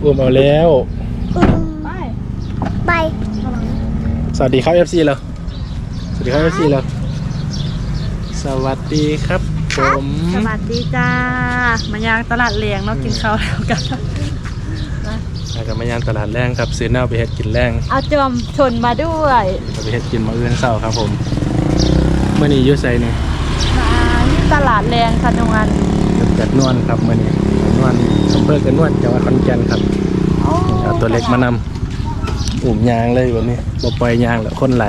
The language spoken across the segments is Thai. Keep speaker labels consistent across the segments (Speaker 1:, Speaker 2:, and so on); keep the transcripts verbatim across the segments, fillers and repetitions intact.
Speaker 1: อุ้มเอาแล้ว
Speaker 2: ไป
Speaker 3: ไป
Speaker 1: สวัสดีครับ เอฟ ซี เราสวัสดีครับ เอฟ ซี เราสวัสดีครับผม
Speaker 2: สวัสดีจ้ามายังตลาดเลียงเนาะกินข้าวแล้วกัน
Speaker 1: มากับมายังตลาดแรงครับซื้อเน่าไปเฮ็ดกินแรง
Speaker 2: เอาจอมชนมาด้วย
Speaker 1: ไปเฮ็ดกินมาเอื้อนเศร้าครับผมเมื่อนี้ยุ่ใส่เนี่ย
Speaker 2: มาที่ตลาดแรงขนวน
Speaker 1: จัดนวลครับเมื่อนี้นวลอำเภอกันนวลจังหวัดขอนแก่นครับเอาตัวเล็กมานำอุ่มยางเลยวันนี้บ่ปล่อยยางแล้วคนไหล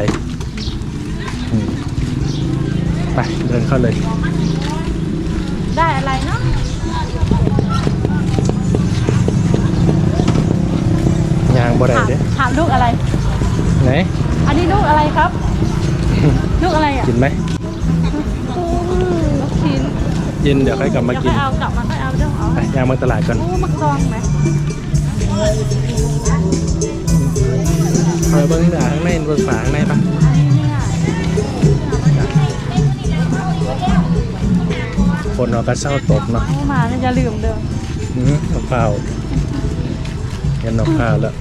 Speaker 1: ไปเดินเข้าเลย
Speaker 2: ได้อะไรเนาะ
Speaker 1: ยางบ่ได้เด้
Speaker 2: ถามลูกอะไร
Speaker 1: ไหน
Speaker 2: อันนี้ลูกอะไรครับลูกอะไรอ่ะ
Speaker 1: กินไหม
Speaker 2: ลูกชิ้น
Speaker 1: กินเดี๋ยวค่อยกลับมากิน
Speaker 2: เอากลับมาค่อยเอาเดี๋ยวเอา
Speaker 1: ไปยางมาตลาดก่อน
Speaker 2: โอ้มักซองไหม
Speaker 1: คอยเบิ้งด่าข้างในเบิ้งฝาข้างในปะคนเราก็เศร้าตกเนาะ
Speaker 2: มาจะลืมเดิม
Speaker 1: อืมนกเผาเห็นนกเผาแล้ว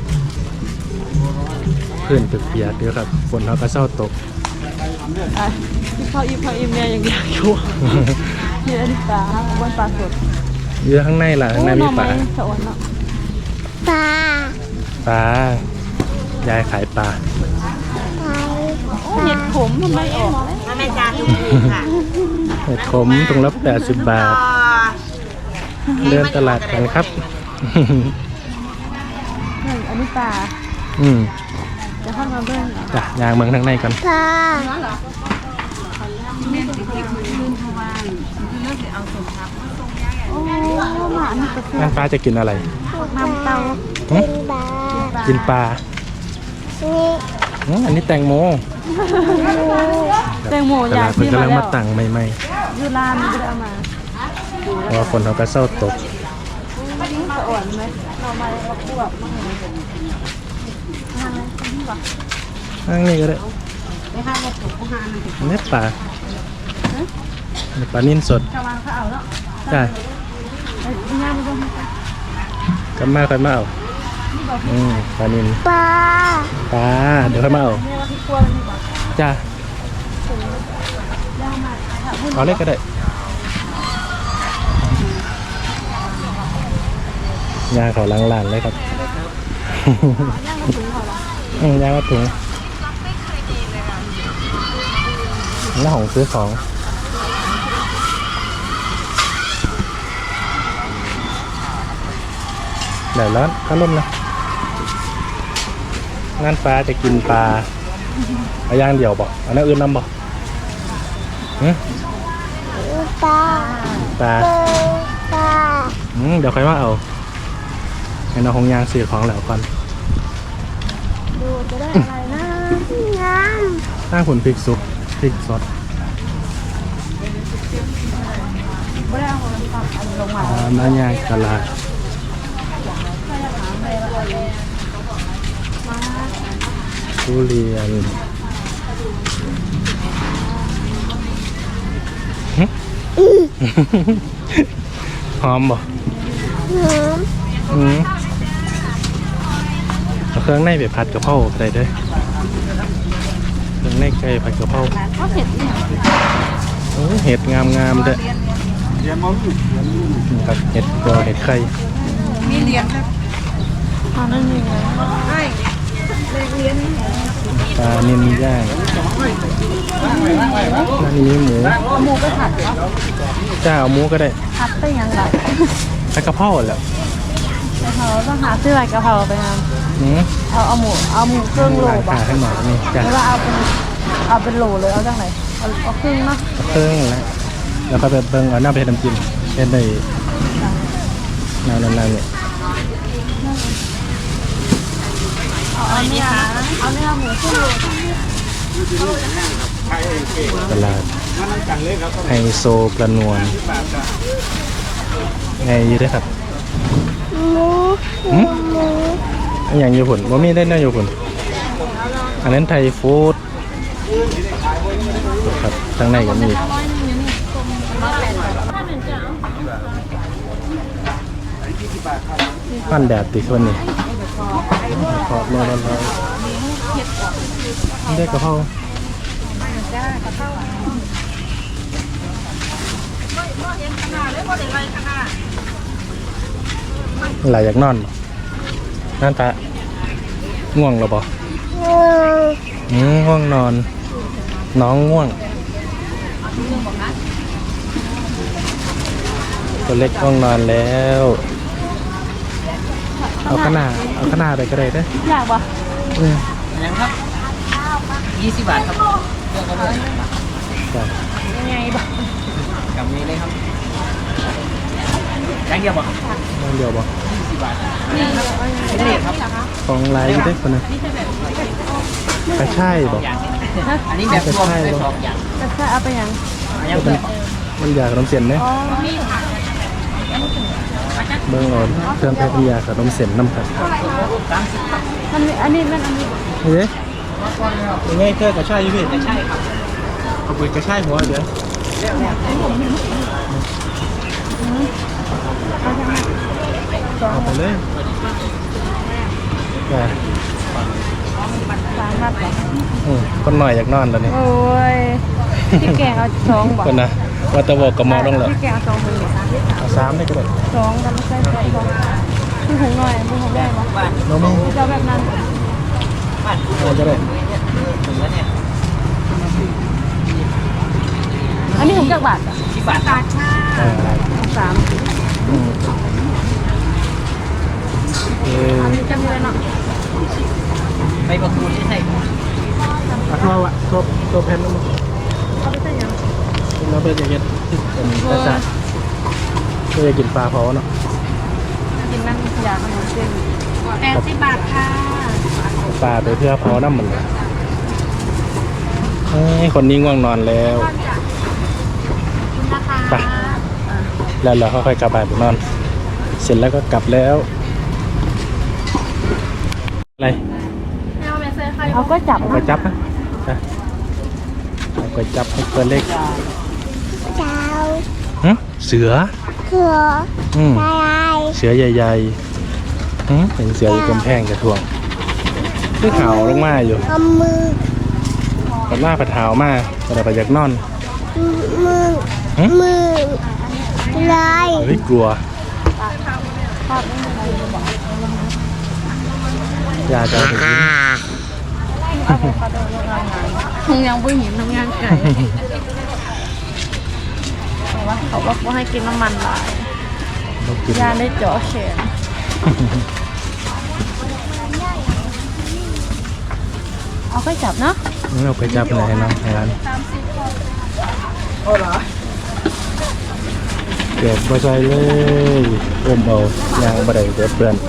Speaker 1: พื้นเปียกๆด้วยครับฝนเราก็เศร้าตก
Speaker 2: อีพออีพออีเมียยังอยากอยู่เยอะดิปลาบนปลาสด
Speaker 1: เยอะข้างในล่ะข้างในมีปลา
Speaker 3: ปลา
Speaker 1: ปลายายขายปลา
Speaker 2: เห็ดขมทำไมออก
Speaker 3: แม่จานถูกค่ะ
Speaker 1: เห็ดขมถุงละแปดสิบบาทเดินตลาดกันครับ
Speaker 2: อันนี้ปลา
Speaker 1: อืม
Speaker 2: จะเข้ามาเบิ้ง
Speaker 1: จ้ะยางเมืองทางในกัน
Speaker 3: ปลา
Speaker 2: โอ้หมานี่ก็
Speaker 1: งั้นป้าจะกินอะไร
Speaker 2: น้ำเต้า
Speaker 1: กินปลาอันนี้แตงโม
Speaker 2: แตงโม
Speaker 1: อยากที่มาแล้วกำลังมาตั้งใหม่
Speaker 2: ๆยูรานไม่ได้เอามา
Speaker 1: เพราะคนเขาก็เศร้าตก
Speaker 2: สะอ่อนไหมเรามาเราพวกมาเห็น
Speaker 1: นั่งนี่ก็ได้เนื้อปลาปลานิ่นสดจ้ากันมากันมาเอาอืมปลานิ่น
Speaker 3: ปลา
Speaker 1: ปลาเดี๋ยวค่อยมาเอาจ้าเอาเล็กก็ได้ยาเขาล้างหลานเลยครับอืมยามาถุงหน้าของซื้อของเดี๋ยวร้อนข้าวนุ่มนะงานฟ้าจะกินปลาเอาย่างเดี่ยวบอกเอาหน้าอื่นน้ำบอก
Speaker 3: ปลา
Speaker 1: ปลา
Speaker 3: ปลา
Speaker 1: อืมเดี๋ยวค่อยว่าเอาให้น้องคงยางซื้อของแล้วก่อน
Speaker 2: ดูจะได้อะไรนะ
Speaker 3: งาม
Speaker 1: ถ้าผลพริกซุปพริกซอส
Speaker 2: ไม่ได้เอาลงมา
Speaker 1: หน้ายางตลาดทุเรียนหอมบ่
Speaker 3: หอม
Speaker 1: อืมเอาเครื่องในไปผัดกะเพราใส่ด้วยเครื่องในไก่ผัดกะเพรา
Speaker 2: เห็ดเนี่ย
Speaker 1: โอ้เห็ดงามงามเด้อกับเห็ดกอเห็ดไข่
Speaker 2: มีเลี้ยงครับอ๋อนั่นเองใช่เลี้ยง
Speaker 1: ปลานิ่มย่างนั่นนี้หมู
Speaker 2: หมูก็ผัดครับ
Speaker 1: จ้าเอาหมูก็ได้
Speaker 2: ผัดไปยังไง
Speaker 1: ผัดกะเพราแหละ
Speaker 2: กะเพราต้องหาซื้ออะไรกะเพราไปทำเอาเอาหมูเอาหมูครึ่งโล
Speaker 1: บ้างให้หน่อยนี่จ้า
Speaker 2: หรือว่าเอาเป็นเอาเป็นโลเลยเอาจังไหนเอาเอาครึ่งนะ
Speaker 1: ครึ่งแล้วแล้วก็แบบเบิ้งเอาหน้าไปทำกินเป็นในแนวนั้นเนี่ย
Speaker 2: เอาเนื้อเอาเนื้อหมูครึ่งโล
Speaker 1: ตลาดไฮโซประนวลไงอยู่ด้วยครับ
Speaker 3: หมูหมู
Speaker 1: อันอย่างอยู่ผลว่ามีได้น่าอยู่ผลอันนั้นไทยฟู้ดครับข้างในก็มีปั้นแดดติคนนี้ขอบมาแล้วได้กระเพราหลายอยากนอนบ่นั่นตาง่วงหรอบ่
Speaker 3: ง่วง
Speaker 1: อืมง่วงนอน น้องง่วงตัวเล็กง่วงนอนแล้ว เอาขนาดเอาขนาดไปก็ได้เด้อ
Speaker 2: อยากปะ
Speaker 1: อืม
Speaker 4: ยังครับยี่สิบบาทครับเลือกเอาเลย
Speaker 1: จ้ะ
Speaker 2: ยังไงปะ
Speaker 4: กับนี้เลยครับยังเดียวบ่
Speaker 1: น้องเดียวบ่
Speaker 4: ยี่สิบบาท
Speaker 2: นี่
Speaker 4: เป็นเลขครับ
Speaker 1: ของลายอยู่เด้อคนนึงกระช่ายบ่
Speaker 4: อย่างอันนี้แบบรวมได้สองอย่าง
Speaker 2: จะใช่เอาไปยัง
Speaker 4: อันยัง
Speaker 1: มั
Speaker 4: เดี
Speaker 1: น
Speaker 4: ยว
Speaker 1: มันอยากขนมเส้นเนี่ย
Speaker 2: อ๋อ
Speaker 1: เบิ่งเอาเครื่องแพ็คยาขนมเส้นน้ำครับ
Speaker 4: สามสิบครับ
Speaker 2: มันมีอันนี้มันอันนี้
Speaker 1: เฮ้ยยังไงเครื่องกระช่ายอยู่พี่
Speaker 4: ใช่ครับ
Speaker 1: เอาไปกระช่ายหัวเดี๋ยวเอาไปเลยจ้ะ
Speaker 2: สามบาทปะ
Speaker 1: อืมคนหน่อยอยากนอนตอนนี้
Speaker 2: โอ้ยพี่แกงเอาสองบอก
Speaker 1: คนนะว่าตะบอกกับหมอต้องเหรอ
Speaker 2: พี่แกงเอาสองคนเลย
Speaker 1: เอาสามได้ก็ได้
Speaker 2: สองกันไม่ใช่ใช่สองพี่หุงหน่อยพี่หุงได้ปะ
Speaker 4: บ้าน
Speaker 1: น้องมึง
Speaker 2: จะเอาแบบนั้น
Speaker 4: บ้าน
Speaker 1: เอาก็ได้
Speaker 4: ถึงแล้วเนี่ย
Speaker 2: อันนี้ถุงจากบาทอ่ะ
Speaker 4: สิบบาทครับ
Speaker 1: อ่า
Speaker 2: สาม
Speaker 1: อืมเออ
Speaker 2: อันนี้จำเลยเนาะ
Speaker 4: ใบประตูนี่ใช่
Speaker 1: เอาทั่ววะทั่วทั่วแผ่นลงมา
Speaker 2: เอาไปใส่ยัง
Speaker 1: เราไปจะเก็ดเป็นกระซ่าเพื่อกินปลาเผาเนาะ
Speaker 2: กินนั่งยาขนมเส้นแปดสิบบาทค่ะ
Speaker 1: ปลาไปเพื่อเผาน้ำมันเลยเฮ้ยคนนี้ง่วงนอนแล้วไปแล้วเราค่อยๆกลับบ้านไปนอน เสร็จแล้วก็กลับแล้วอะไร
Speaker 2: เอาก็จับ
Speaker 1: เอาไปจับนะจ้ะเอาไปจับให้ตัวเล็ก
Speaker 3: เจ้า
Speaker 1: หึเสือ
Speaker 3: เขือ
Speaker 1: อืม
Speaker 3: อะไร
Speaker 1: เสือใหญ่ๆหึเห็นเสืออยู่กำแพงกระทวงคือเห่าลงมาอยู่
Speaker 3: เอามือ
Speaker 1: กับหน้าผัดเท้ามาแต่ไปอยากนอน
Speaker 3: มือ
Speaker 1: หึ
Speaker 3: มือลาย
Speaker 1: เฮ้ยกลัว ยาจะเอาไปกิน
Speaker 2: ทงยังไม่เห็นทำงานไก่แต่ว่าเขาบอกว่าให้กินน้ำมันหลาย
Speaker 1: ต้องกิน
Speaker 2: ยาได้เจาะแขนเอาไปจับเนาะ
Speaker 1: เอาไปจับไหนให้น้องให้ร้านเก็บไปใส่เลยอมเอายางบะไดเดือดเปื่อน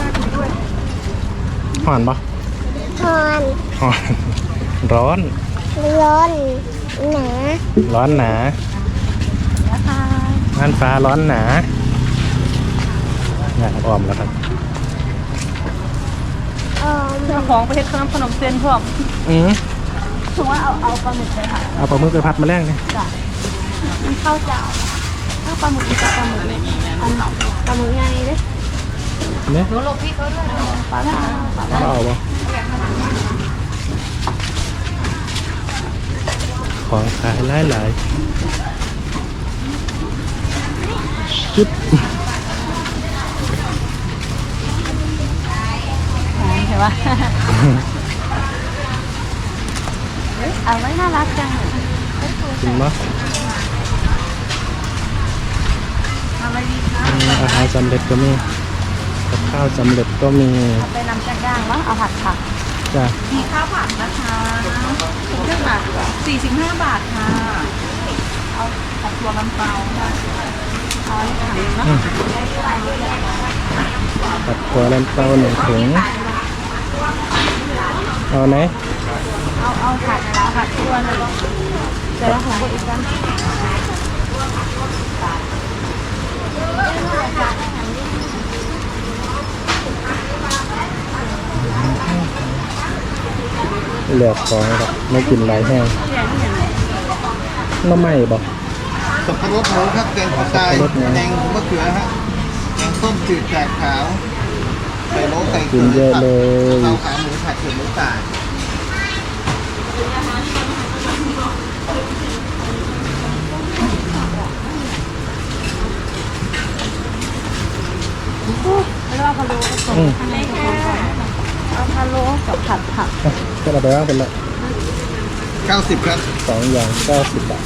Speaker 1: ห่อนปะ
Speaker 3: ทอน
Speaker 1: ห่อน ร้อน
Speaker 3: ร้อนหนา
Speaker 1: ร้อนหนา
Speaker 2: นะคะ
Speaker 1: น่านฟ้าร้อนหนาอยากออมแล้วครับ
Speaker 3: ออม
Speaker 2: เจ้าของประเทศขนมขนมเส้นพวก
Speaker 1: อืม
Speaker 2: ถือว่าเอาเอาปลาหมึกไปค่ะ
Speaker 1: เอาปลาหมึกไปพัดมาแล้งเลย
Speaker 2: จ้ะมันข้าวเจ้าถ้าปลาหมึกกับปลาหมึกเลยอันปลาหมึกใหญ่เด้
Speaker 1: เนี่ย
Speaker 2: หนูหลบพี่เขาด้วยปลาหมึกปลาหมึก
Speaker 1: เอาปะของขายหลายหลายๆชุด
Speaker 2: เห็นปะเอาไว้น่ารักจัง
Speaker 1: กินมั้ย
Speaker 2: อะไรดีคะ
Speaker 1: อาหารสำเร็จก็มีกับข้าวสำเร็จก็มี
Speaker 2: เอาไปนำจากย่างวะเอาผัดผัก
Speaker 1: จ้ะ
Speaker 2: มีข้าวผัดนะคะถุงเท่าไหร่สี่สิบห้าบาทค่ะเอาผัดตัวน้ำเปล่าเอาอันนี้ถังเนาะ
Speaker 1: ตัดตัวลำเต้าหนึ่งถุงเอาไหน
Speaker 2: เอาเอาผัดเอาผัดตัวเลยเดี๋ยวเราของคนอีกกัน
Speaker 1: เหลือของครับไม่กินไรแห้งน้ำไหม้บอก
Speaker 5: สับปะรดหมูครับแกงผักกาดแกงมะเขือฮะแกงส้มจืดแกงขาวไข่โลไข่
Speaker 1: กินเยอะเลย
Speaker 5: ข้าวขาหมูผัดเผ็ดหมูป่า
Speaker 2: แล้วเอาพะโล้ผสม
Speaker 1: อืม
Speaker 2: เอาพะโล้กับผัดผัก
Speaker 1: ก็เราไปว่างเป็นละ
Speaker 5: เก้าสิบครับ
Speaker 1: สองอย่างเก้าสิบบาท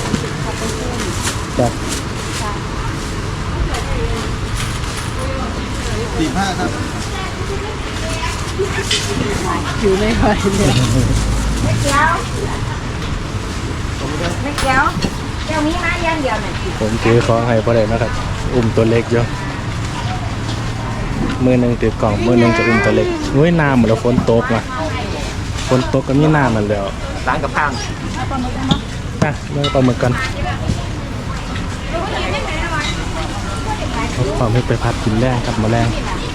Speaker 1: จ้ะ
Speaker 5: สี่ห้าครับ
Speaker 2: อยู่ไม่ไหวเลยไม่เกี้ยวไม่เกี้ยวเดี๋ยวมีมาย่างเดียวหน่อย
Speaker 1: ผมซื้อของให้พ่อเด็กนะครับ อุ้มตัวเล็กอยู่มือหนึ่งถือกล่องมือหนึ่งจะอุ้มตัวเล็กนุ้ยน้ำเหมือนเราฝนตกนะฝนตกก็มีน้ำมันแล้ว
Speaker 4: ร้านกับข้าง
Speaker 1: ไปเรื่องปลาหมึกกันเอาความให้ไปพัดกินแรงครับมาแรง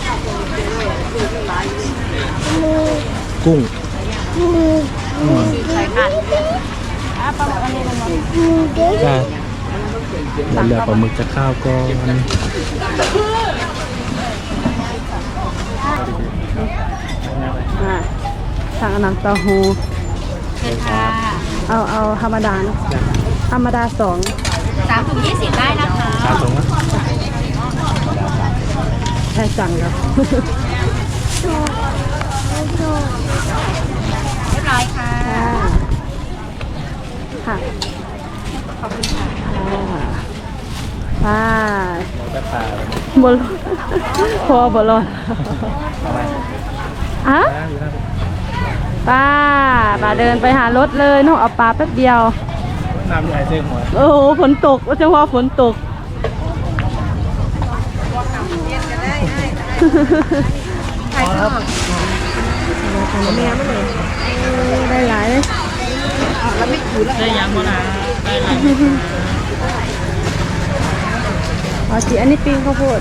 Speaker 1: กุ้ง
Speaker 3: มือ
Speaker 1: อืม
Speaker 2: ใส่ผัดอ่ะปลาหมึกอันนี้มัน
Speaker 3: มือเด็ก
Speaker 1: ได้แล้วเหลือปลาหมึกจะข้าวก่อน
Speaker 2: อ่าสั่งอันนั้นเต้าหู้เอาเอาธรรมดานะธรรมดาสอง
Speaker 6: สามถุงยี่สิบได้นะคะ
Speaker 1: ข้าวตรงนะ
Speaker 2: แค่สั่งครับ
Speaker 6: เรียบร้อยค่ะ
Speaker 2: ค่ะขอบคุณค่ะป้า
Speaker 1: เราจะปลา
Speaker 2: บอลพอบอลอนอะป้าป้าเดินไปหารถเลยน้องเอาปลาแป๊บเดียว
Speaker 1: น้ำใหญ่เส้นหัว
Speaker 2: โอ้โหฝนตกจังหวะฝนตกใครชอบแม่ไม่เลยได้หลายเลย
Speaker 4: ได้ยังบ่นะได้หลาย
Speaker 2: อ๋อจีอันนี้ปิ้งข้าวโพด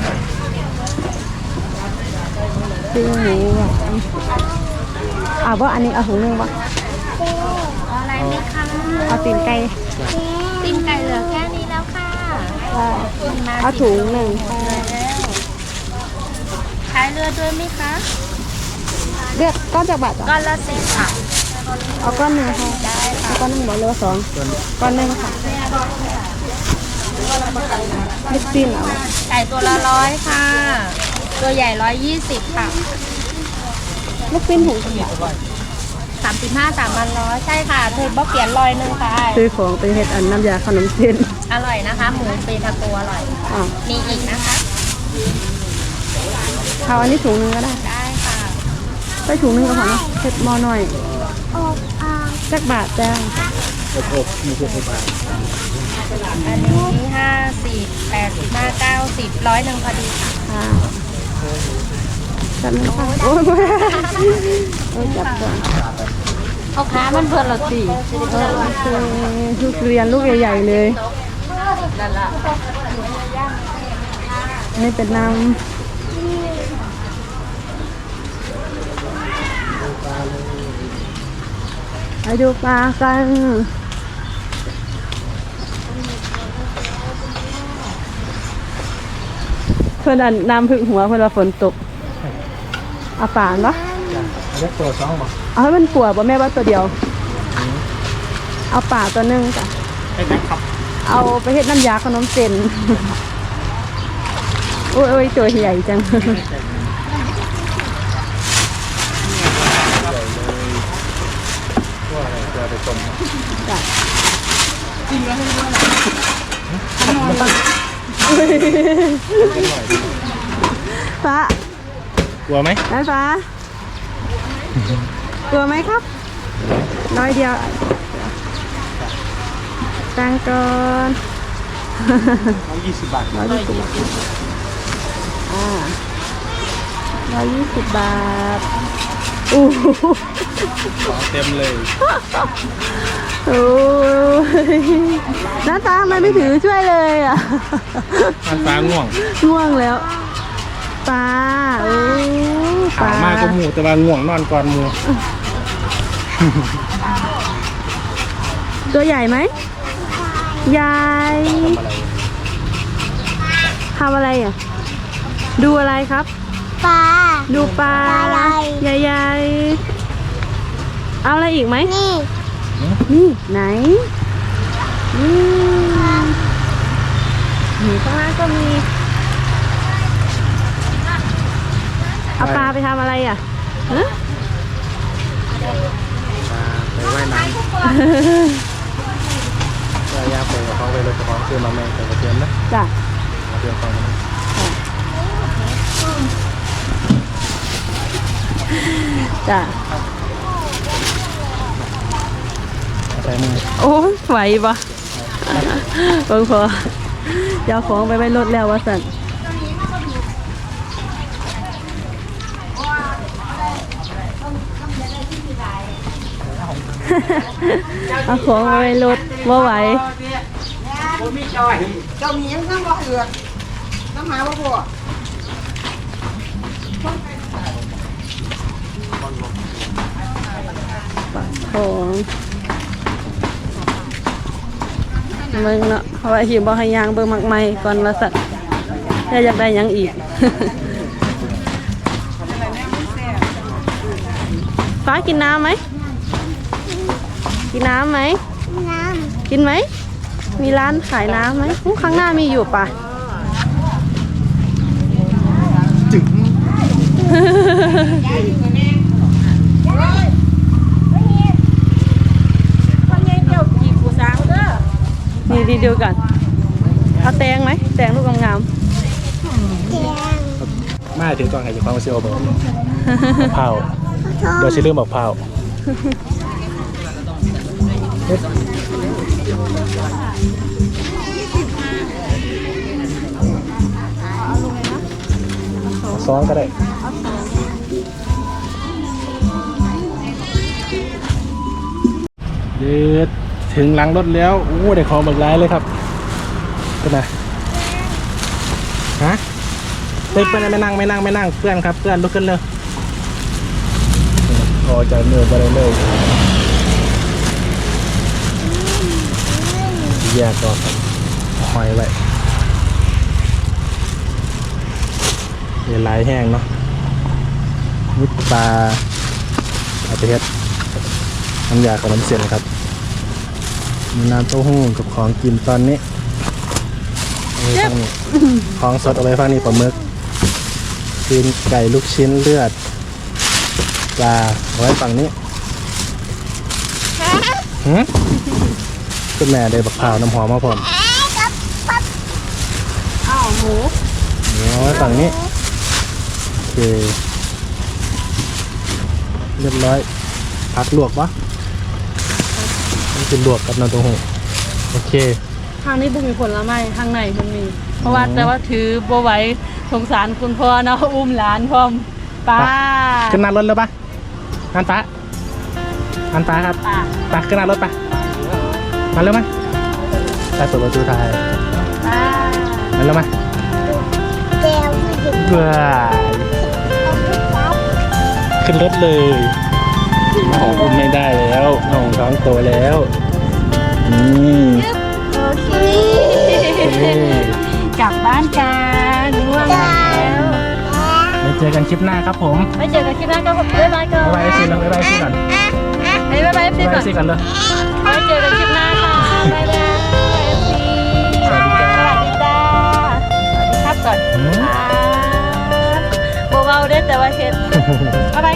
Speaker 2: ปิ้งหมูอ่ะอ่าว่าอันนี้เอาถุงนึงวะ
Speaker 6: เอาอะไรไหมคะ
Speaker 2: เอาตีนไก่
Speaker 6: ตีนไก่เหลือแค่นี้แล้วค่ะ
Speaker 2: เอาถุงหนึ่ง
Speaker 6: ขายเรือด้วยไหมคะ
Speaker 2: เลือกก้อนจากบาทจ้ะ
Speaker 6: ก้อนละสิบค่ะ
Speaker 2: เอาก้อนหนึ่งค่ะเอาก้อนหนึ่งบอกเลยว่าสองก้อนหนึ่งค่ะลูกปิ้นเอา
Speaker 6: ไก่ตัวละร้อยค่ะ ตัวใหญ่ร้อยยี่สิบค่ะ
Speaker 2: ลูกปิ้นถุง
Speaker 6: สามสิบห้าสามพันร้อยใช่ค่ะเธอบอกเปลี่ยนร้อยหนึ่งค่ะ
Speaker 2: ซื้อของไปเฮ็ดอันน้ำยาขนมเส้น
Speaker 6: อร่อยนะคะ หมูปีทาโกอร่อย
Speaker 2: อ่า
Speaker 6: มีอีกนะคะ
Speaker 2: เอาอันนี้ถุงหนึงก็ได้
Speaker 6: ได้ค่ะ
Speaker 2: ใส่ถุงหนึงก็พอเนาะเฮ็ดหม้อหน่อย
Speaker 3: อบอ่าง
Speaker 2: จักบาทจ้า
Speaker 1: อบอบมีเพื่อนบาท
Speaker 6: อันนี้ห้าสิบแปดสิบห้าเก้าสิบร้อยหนึ่งพอดีค่ะ
Speaker 2: ค่ะจับมันค่ะโอ้ยโอ้ยจับก่อน
Speaker 6: เอาค้ามันเพื่อนเราสี่
Speaker 2: เออโอเคทุเรียนลูกใหญ่ๆเลยอันนี้เป็นน้ำไปดูปลากันเพื่อนอันน้ำพึ่งหัวเพื่อนว่าฝนตกเอาฝานปะ
Speaker 1: เล็กตัวสองบ่
Speaker 2: เอาให้มันกลัวป่ะแม่ว่าตัวเดียว เอาป่าตัวหนึงจ้ะ
Speaker 1: ไอ้แม็กขับ
Speaker 2: เอาไปเฮ็ดน้ำยาขนมเส้น โอ้ยโอ้ยตัวใหญ่จัง
Speaker 1: ตัวอะไรตัวไปต้ม
Speaker 2: จ้ะฟ้าก
Speaker 1: ลัวไหม
Speaker 2: ไอ้ฟ้า กลัวไหมครับ น้อยเดียวตังก่อน
Speaker 1: เอายี่สิบบาท
Speaker 2: ร้อยยี่สิบอ่าร้อยยี่สิบบาทอู้หู
Speaker 1: ของเต็มเลย
Speaker 2: โอ้ยหน้าตาทำไมไม่ถือช่วยเลยอ่ะ
Speaker 1: มันฟ้าง่วง
Speaker 2: ง่วงแล้วปลาโอ้ป
Speaker 1: ขา
Speaker 2: ลาม
Speaker 1: ากก็หมูแต่ว่าง่วงนอนก่อนหมู
Speaker 2: ตัวใหญ่ไหมใหญ่
Speaker 1: ทำอะไร
Speaker 2: ทำอะไรอ่ะดูอะไรครับ
Speaker 3: ปลา
Speaker 2: ดูปลา
Speaker 3: ปลาใหญ่
Speaker 2: ใหญ่ๆเอาอะไรอีกไหม
Speaker 3: นี่
Speaker 2: นี่ไหนนี่นี่ข้างล่างก็มีเอาปลาไปทำอะไรอ่ะฮะ
Speaker 1: ไปว่ายน้ำก็ย่าไปกับเขาไปเลยกับเขาซื้อมาแม่แต่กระเทียมนะ
Speaker 2: จ้ะ
Speaker 1: กระเทียมฟังนะ
Speaker 2: จ้ะ
Speaker 1: ใส่มือ
Speaker 2: โอ้ยไหวปะเบิ่งพอเดี๋ยวของไปไว้รถแล้ววะสันเอาของไปไว้รถว่าไหว
Speaker 4: เจ้ามียังน้ำบ่เอือกน้ำหาบ่พอ
Speaker 2: ของเบิ่งเนาะเพราะว่าหิวบ่ให้ยางเบิ่งมักไม่ก่อนว่าสัตว์ถ้าอยากได้หยังอีก ฟ้ากินน้ำไหมกินน้ำไหม
Speaker 3: น้
Speaker 2: กินไหมมีร้านขายน้ำไหมอู้ข้างหน้ามีอยู่ป่ะ
Speaker 5: จึง
Speaker 2: นี่ดีเดียวกันเอาแตงไหมแตงลูกงาม
Speaker 3: ำแกง
Speaker 1: ไม่ถึงก่อนใครจะฟังมาเซียวบอกเผา
Speaker 3: ทอ
Speaker 1: เดี๋ยวชิลืมบอกเผาซ้อนก็ได้เด็ดถึงหลังรถแล้วโอ้ได้ของบักร้ายเลยครับเป็นไงฮะเฮ้ยเพื่อนไม่นั่งไม่นั่งไม่นั่งเพื่อนครับเพื่อนลุกขึ้นเลยพอจะเนื้อไปเลยเลยแยกก่อนครับหอยไว้เดี๋ยวลายแห้งเนาะมุดปลาเอาไปเฮ็ดน้ำยาขนมเส้นครับมีน้ำเต้าหู้กับของกินตอนนี้เอาไว้ฟังนี้ของสดเอาไว้ฟังนี้ปลาหมึกตีนไก่ลูกชิ้นเลือดปลาเอาไว้ฝั่งนี้หืมคุณแม่ได้บักพร้าวน้ำหอมมาพร้อม
Speaker 2: อ้าวหมู
Speaker 1: เอาไว้ฝั่งนี้โอเคเรียบร้อยผักลวกปะนี่คือลวกกับน้ำเต้าหู้โอเค
Speaker 2: ทางนี้บุมีผลไม้ทางในมันมี เพราะว่าแต่ว่าถือบ่ไหว้สงสารคุณพ่อเนาะอุ้มหลานพร้อมป้า
Speaker 1: ขึ้นหน้ารถเลยปะอันป้าอันป้าครับ
Speaker 2: ป้า
Speaker 1: ไปขึ้นหน้ารถไปมาเร็วมาไปเปิดประตูท้าย
Speaker 2: ป้า
Speaker 1: มาเร็วมา
Speaker 3: แก้วไม่หยุด
Speaker 1: เบื่อขึ้นรถเลยน้องอุ้มไม่ได้แล้วน้องท้องโตแล้วนี่
Speaker 2: โอเค
Speaker 1: นี่
Speaker 2: กลับบ้านกันง่วงแล้ว
Speaker 1: ไว้เจอกันคลิปหน้าครับผม
Speaker 2: ไว้เจอกันคลิปหน้าก็บ๊ายบายก่อน
Speaker 1: บ๊ายบายเอฟซีแล้วบ๊ายบายเอฟซีก่อน
Speaker 2: บ๊ายบายเอฟซี
Speaker 1: บ๊ายบาย
Speaker 2: ก่อ
Speaker 1: เอน ฟซีก่อนเลย
Speaker 2: ไว้เจอกันคลิปหน้าค่ะบ๊ายบายเอฟซี
Speaker 1: สวัสดีจ้า
Speaker 2: สวัสดีจ้าสวัสดีครับก่อน
Speaker 1: อืม
Speaker 2: ครับเบาๆเด้อแต่ว่าเฮ็ดบ๊ายบาย